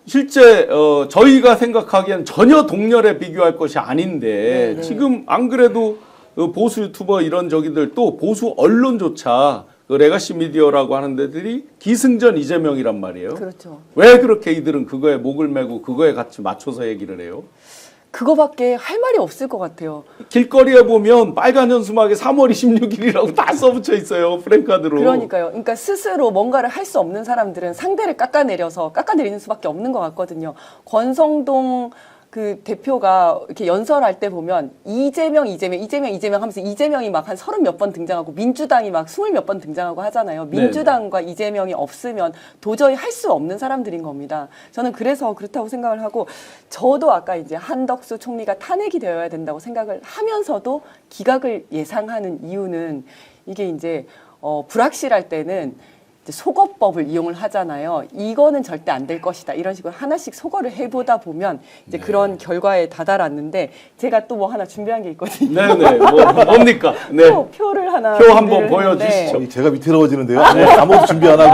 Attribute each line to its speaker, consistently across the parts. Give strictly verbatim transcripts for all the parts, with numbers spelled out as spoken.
Speaker 1: 실제 어, 저희가 생각하기엔 전혀 동렬에 비교할 것이 아닌데
Speaker 2: 네네.
Speaker 1: 지금 안 그래도 그 보수 유튜버 이런 저기들 또 보수 언론조차 그 레가시 미디어라고 하는 데들이 기승전 이재명이란 말이에요.
Speaker 2: 그렇죠.
Speaker 1: 왜 그렇게 이들은 그거에 목을 메고 그거에 같이 맞춰서 얘기를 해요?
Speaker 2: 그거밖에 할 말이 없을 것 같아요.
Speaker 1: 길거리에 보면 빨간 현수막에 삼월 이십육일이라고 다 써붙여 있어요. 프랭카드로.
Speaker 2: 그러니까요. 그러니까 스스로 뭔가를 할 수 없는 사람들은 상대를 깎아내려서 깎아내리는 수밖에 없는 것 같거든요. 권성동 그 대표가 이렇게 연설할 때 보면 이재명, 이재명, 이재명, 이재명 하면서 이재명이 막 한 서른 몇 번 등장하고 민주당이 막 스물 몇 번 등장하고 하잖아요. 민주당과 네네. 이재명이 없으면 도저히 할 수 없는 사람들인 겁니다. 저는 그래서 그렇다고 생각을 하고 저도 아까 이제 한덕수 총리가 탄핵이 되어야 된다고 생각을 하면서도 기각을 예상하는 이유는 이게 이제 어, 불확실할 때는 속어법을 이용을 하잖아요. 이거는 절대 안 될 것이다. 이런 식으로 하나씩 속어를 해보다 보면 이제 네. 그런 결과에 다다랐는데 제가 또 뭐 하나 준비한 게 있거든요.
Speaker 1: 네네. 뭐, 뭡니까? 네.
Speaker 2: 표, 표를 하나.
Speaker 1: 표 한번 보여주시죠.
Speaker 3: 제가 위태로워지는데요. 네. 아무것도 준비 안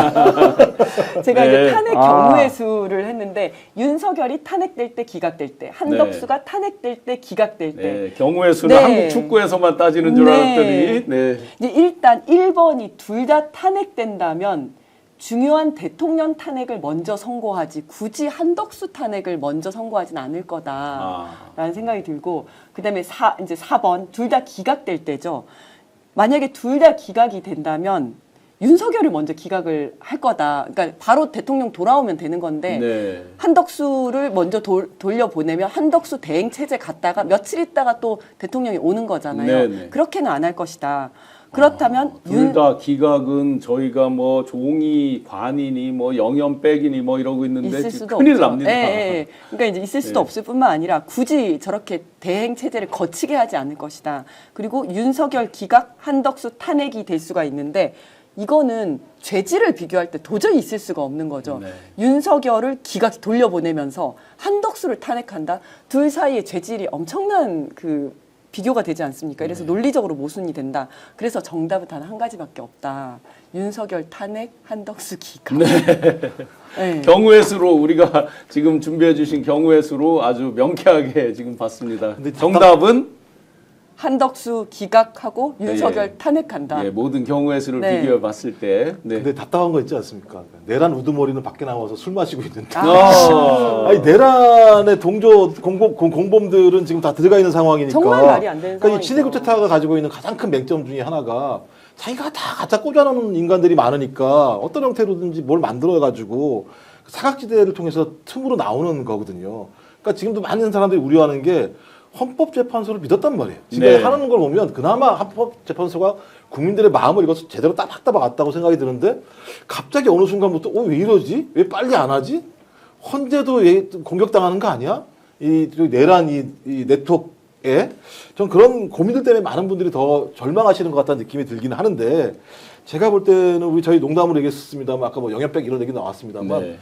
Speaker 3: 하고.
Speaker 2: 제가
Speaker 1: 네.
Speaker 2: 이제 탄핵
Speaker 3: 아.
Speaker 2: 경우의 수를 했는데 윤석열이 탄핵될 때 기각될 때 한덕수가 네. 탄핵될 때 기각될 때
Speaker 1: 네. 경우의 수는
Speaker 2: 네.
Speaker 1: 한국 축구에서만 따지는 줄
Speaker 2: 네.
Speaker 1: 알았더니 네.
Speaker 2: 이제 일단 일 번이 둘 다 탄핵된다면 중요한 대통령 탄핵을 먼저 선고하지 굳이 한덕수 탄핵을 먼저 선고하진 않을 거다라는 아. 생각이 들고 그다음에 사 이제 사 번 둘 다 기각될 때죠. 만약에 둘 다 기각이 된다면 윤석열을 먼저 기각을 할 거다. 그러니까 바로 대통령 돌아오면 되는 건데
Speaker 1: 네.
Speaker 2: 한덕수를 먼저 도, 돌려보내면 한덕수 대행 체제 갔다가 며칠 있다가 또 대통령이 오는 거잖아요.
Speaker 1: 네네.
Speaker 2: 그렇게는 안 할 것이다. 그렇다면
Speaker 1: 아, 둘 다 기각은 저희가 뭐 종이 관이니 뭐 영연 백이니 뭐 이러고 있는데
Speaker 2: 있을 수도
Speaker 1: 큰일
Speaker 2: 없죠.
Speaker 1: 납니다.
Speaker 2: 예, 예. 그러니까 이제 있을 수도
Speaker 1: 네.
Speaker 2: 없을 뿐만 아니라 굳이 저렇게 대행 체제를 거치게 하지 않을 것이다. 그리고 윤석열 기각, 한덕수 탄핵이 될 수가 있는데 이거는 죄질을 비교할 때 도저히 있을 수가 없는 거죠.
Speaker 1: 네.
Speaker 2: 윤석열을 기각 돌려보내면서 한덕수를 탄핵한다. 둘 사이의 죄질이 엄청난 그 비교가 되지 않습니까? 그래서 네. 논리적으로 모순이 된다. 그래서 정답은 단 한 가지밖에 없다. 윤석열 탄핵, 한덕수 기각.
Speaker 1: 네.
Speaker 2: 네.
Speaker 1: 경우의 수로 우리가 지금 준비해 주신 경우의 수로 아주 명쾌하게 지금 봤습니다. 근데 정답은
Speaker 2: 한덕수 기각하고 윤석열
Speaker 1: 예.
Speaker 2: 탄핵한다.
Speaker 1: 예, 모든 경우의 수를
Speaker 2: 네.
Speaker 1: 비교해 봤을 때. 네.
Speaker 3: 근데 답답한 거 있지 않습니까? 내란 우두머리는 밖에 나와서 술 마시고 있는데.
Speaker 1: 아.
Speaker 3: 아니 내란의 동조 공범, 공범들은 지금 다 들어가 있는 상황이니까.
Speaker 2: 정말 말이 안 되는
Speaker 3: 그러니까 이
Speaker 2: 상황이죠.
Speaker 3: 친해국제타가 가지고 있는 가장 큰 맹점 중에 하나가 자기가 다 갖다 꽂아놓는 인간들이 많으니까 어떤 형태로든지 뭘 만들어가지고 사각지대를 통해서 틈으로 나오는 거거든요. 그러니까 지금도 많은 사람들이 우려하는 게 헌법재판소를 믿었단 말이에요. 지금
Speaker 1: 네.
Speaker 3: 하는 걸 보면 그나마 헌법재판소가 국민들의 마음을 이것을 제대로 따박따박 왔다고 생각이 드는데 갑자기 어느 순간부터 어, 왜 이러지? 왜 빨리 안 하지? 헌재도 왜 공격당하는 거 아니야? 이 내란 이, 이 네트워크에 전 그런 고민들 때문에 많은 분들이 더 절망하시는 것 같다는 느낌이 들기는 하는데 제가 볼 때는 우리 저희 농담으로 얘기했습니다만 아까 뭐 영연백 이런 얘기 나왔습니다만
Speaker 1: 네.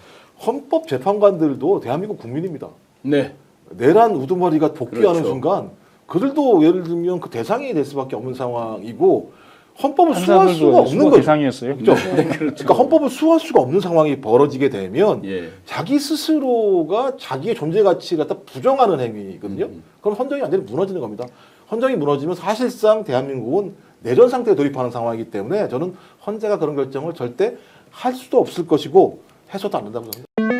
Speaker 3: 헌법재판관들도 대한민국 국민입니다.
Speaker 1: 네.
Speaker 3: 내란 우두머리가 복귀하는
Speaker 1: 그렇죠.
Speaker 3: 순간 그들도 예를 들면 그 대상이 될 수밖에 없는 상황이고 헌법을 수호할 수가 없는 거죠.
Speaker 4: 대상이었어요.
Speaker 3: 그렇죠?
Speaker 1: 네, 그렇죠.
Speaker 3: 그러니까 헌법을 수호할 수가 없는 상황이 벌어지게 되면
Speaker 1: 예.
Speaker 3: 자기 스스로가 자기의 존재 가치를 갖다 부정하는 행위거든요.
Speaker 1: 음.
Speaker 3: 그럼 헌정이 완전히 무너지는 겁니다. 헌정이 무너지면 사실상 대한민국은 내전 상태에 돌입하는 상황이기 때문에 저는 헌재가 그런 결정을 절대 할 수도 없을 것이고 해서도 안 된다고 생각합니다.